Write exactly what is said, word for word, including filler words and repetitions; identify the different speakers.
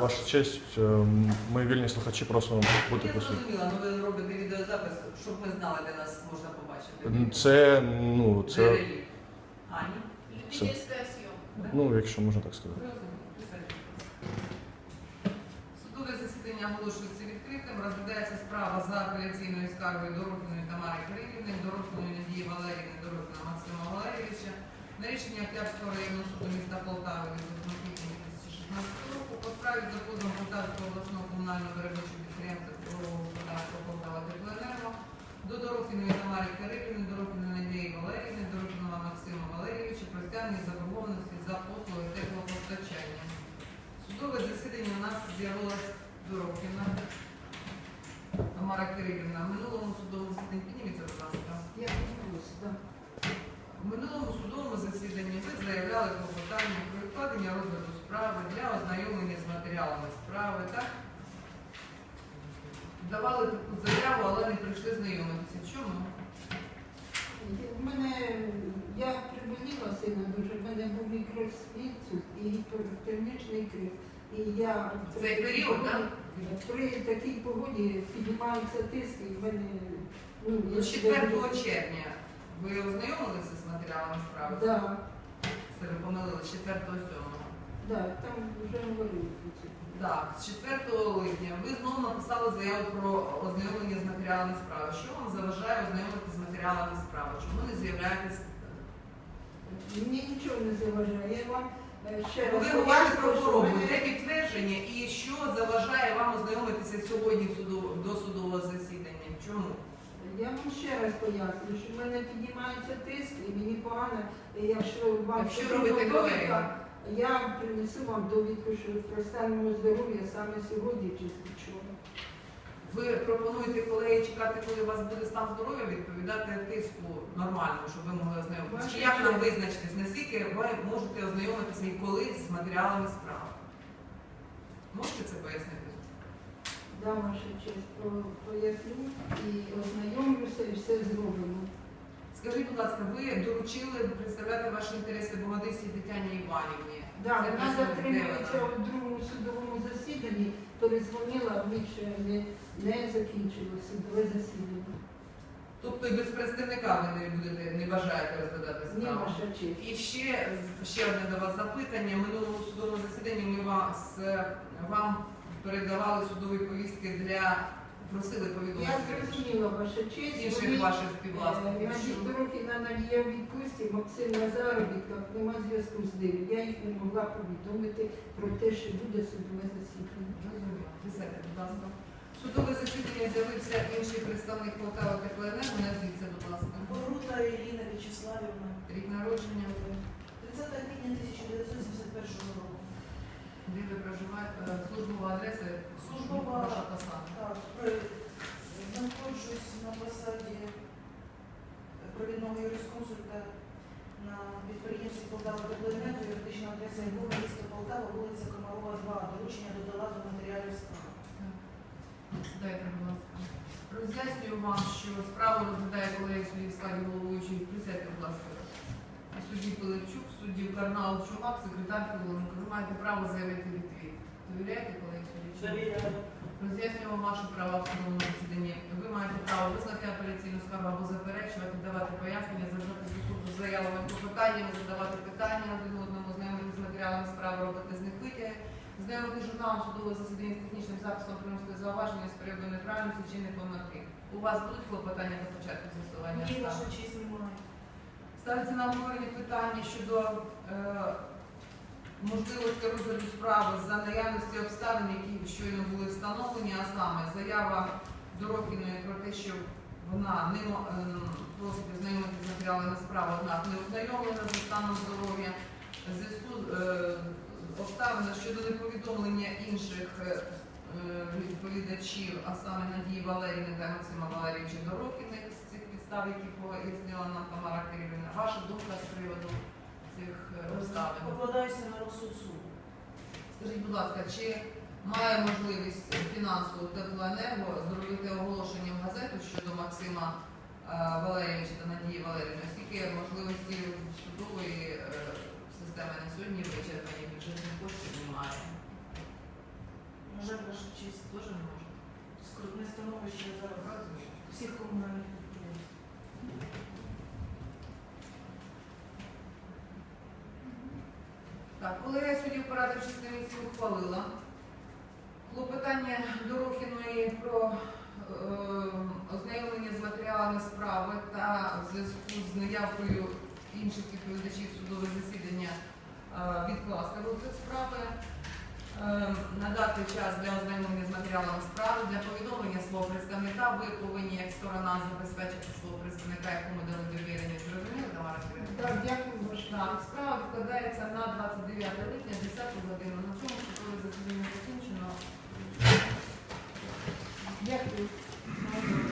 Speaker 1: Ваша честь, ми вільні слухачі просимо бути
Speaker 2: Я
Speaker 1: присутні.
Speaker 2: зрозуміла, але ви робите відеозапис, щоб ми знали, де нас можна побачити.
Speaker 1: Це, ну, це,
Speaker 2: Джерелі. А, ні?
Speaker 3: Любительська зйомка.
Speaker 1: ну, якщо можна так сказати.
Speaker 2: Судове засідання оголошується відкритим. Розглядається справа за апеляційною скаргою Дорохіної Тамари Кирилівни, Дорохіної Надії Валеріївни, Дорохіна Максима Валерійовича на рішення Октябрського районного суду міста Полтави від восьмого квітня дві тисячі шістнадцятого року по справі за позовом Полтавського обласного комунального виробничого підприємства Житлового господарства Полтава Теплоенерго до Дорохіної Тамари Кирилівни, Дорохіної Надії Валеріївни, Дорохіного Максима Валерійовича про стягнення заборгованості за послуги теплопостачання. Судове засідання у нас з'явилась Дорохіна Тамара Кирилівна. В минулому судовому засіданні, підніміться, будь ласка.
Speaker 3: Я відбулася, так.
Speaker 2: В минулому судовому засіданні ви заявляли клопотання про відкладення розгляду справи для ознайомлення з матеріалами справи, так? Давали таку заяву, але не прийшли знайомитися. Чому?
Speaker 3: В мене, я приболіла сильно дуже, в мене був мікроінсульт і гіпертермічний криз. І я
Speaker 2: В цей період, так?
Speaker 3: При такій погоді піднімається тиск і в мене... Ну, я
Speaker 2: З четвертого червня ви ознайомилися з матеріалами справи?
Speaker 3: Так, да,
Speaker 2: Це ви помилили, з четвертого сьомого.
Speaker 3: да, там вже говорили про це.
Speaker 2: Так, з четвертого липня ви знову написали заяву про ознайомлення з матеріалами справи. Що вам заважає ознайомитися з матеріалами справи? Чому не з'являєтесь?
Speaker 3: Мені нічого не заважає. Я вам е, ще
Speaker 2: Ви
Speaker 3: раз
Speaker 2: говорите про
Speaker 3: що
Speaker 2: хворобу,
Speaker 3: мене-
Speaker 2: де підтвердження і що заважає вам ознайомитися сьогодні в суду- до судового засідання? Чому?
Speaker 3: Я вам ще раз поясню, що в мене піднімається тиск і мені погано, і якщо вам
Speaker 2: Так що
Speaker 3: потрібна
Speaker 2: робити,
Speaker 3: довідка,
Speaker 2: колеги?
Speaker 3: я принесу вам довідку, що про стан мого здоров'я саме сьогодні чи вчора.
Speaker 2: Ви пропонуєте колеги чекати, коли у вас буде стан здоров'я, відповідати тиску нормально, щоб ви могли ознайомитися? Чи як нам визначитись, наскільки ви можете ознайомитися і коли з матеріалами справи? Можете це пояснити?
Speaker 3: Да, ваша честь, по- поясню і ознайомлюся, і все зробимо.
Speaker 2: Скажіть, будь ласка, ви доручили представляти ваші інтереси Богодисі Тетяні Іванівні?
Speaker 3: Да,
Speaker 2: Це
Speaker 3: вона
Speaker 2: представник
Speaker 3: затримується
Speaker 2: Девона.
Speaker 3: у другому судовому засіданні, перезвонила, в них ще не, не закінчилося судове засідання.
Speaker 2: Тобто і без представника ви не будете, не бажаєте розглядати
Speaker 3: Ні,
Speaker 2: справу?
Speaker 3: ваша честь.
Speaker 2: І ще, ще одне до вас запитання. В минулому судовому засіданні ми вас, вам передавали судові повістки для, просили
Speaker 3: Я
Speaker 2: повідомити
Speaker 3: зрозуміла, ваша честь.
Speaker 2: інших
Speaker 3: Вони,
Speaker 2: ваших
Speaker 3: е,
Speaker 2: співвласників.
Speaker 3: Значить,
Speaker 2: що-
Speaker 3: Дорохіна Надія в відпустці, Максим на заробітках, нема зв'язку з ними. Я їх не могла повідомити про те, що буде судове засідання.
Speaker 2: Розумію. Присядьте, будь ласка. В судове засідання з'явився інший представник Полтава Теплоенерго. Назвіться, будь ласка.
Speaker 4: Борута Ірина Вячеславівна,
Speaker 2: Рік народження,
Speaker 4: тридцятого квітня тисяча дев'ятсот сімдесят першого року.
Speaker 2: де ви проживаєте, службова адреса,
Speaker 4: Службова.
Speaker 2: ваша посада.
Speaker 4: Так, при- знаходжусь на посаді провідного юрисконсульта на підприємстві Полтава Теплоенерго, юридична адреса ГУ, місто Полтава, вулиця Комарова, два. Доручення додала до матеріалів справи.
Speaker 2: Дайте, будь ласка. Роз'яснюю вам, що справу розглядає колегія судді в складі головуючої. Присядьте, будь ласка. Судді Пилипчук, судді Карнал Чумак, секретар Філоненко. Ви маєте право заявити відвід. Довіряєте колегії судді?
Speaker 4: Довіряю.
Speaker 2: Роз'яснюємо ваші права в судовому засіданні. Ви маєте право визнати апеляційну скаргу або заперечувати, давати пояснення, звертатися до суду з заявами про питаннями, задавати питання один одному, знайомити з матеріалами справи, робити з них витяги, знайомити з журналом судового засідання з технічним записом, приносити зауваження з періоду неправильності чи непомилки. У вас будуть клопотання до початку з'ясування
Speaker 4: Ні,
Speaker 2: справи?
Speaker 4: ваша честь немає.
Speaker 2: Ставиться на обговорення питання щодо е, можливості розгляду справи за наявності обставин, які щойно були встановлені, а саме заява Дорохіної про те, що вона не мо- е, просить ознайомитися з матеріалами справи, однак не ознайомлена за станом здоров'я, в зв'язку з е, обставинами щодо неповідомлення інших е, е, відповідачів, а саме Надії Валеріївни та Максима Валерійовича Дорохіних з цих підстав, які пояснила нам Тамара Кирилівна. Ваша думка з приводу цих е, обставин?
Speaker 4: Покладаюся на розсуд суду.
Speaker 2: Скажіть, будь ласка, чи має можливість фінансову Теплоенерго зробити оголошення в газету щодо Максима е, Валерійовича та Надії Валеріївни, оскільки можливості судової е, системи на сьогодні вичерпані, бюджетних коштів немає?
Speaker 4: На жаль, ваша честь,
Speaker 2: Теж не може.
Speaker 4: скрутне становище зараз
Speaker 2: Розумію.
Speaker 4: всіх комунальних підприємств.
Speaker 2: Так, колегія суддів порадив шість місяців ухвалила. Клопотання Дорохіної про е, ознайомлення з матеріалами справи та в зв'язку з наявкою інших відповідачів судове засідання е, відкласти розгляд справи, е, надати час для ознайомлення з матеріалами справи, для повідомлення свого представника. Ви повинні як сторона забезпечити свого представника, якому дали довірення. Зрозуміли, Тамара Кирилівна?
Speaker 3: Так, дякую, ваше.
Speaker 2: Так, справа відкладається на двадцять дев'яте липня, десяту годину. На цьому судове засідання закінчено.
Speaker 3: Дякую.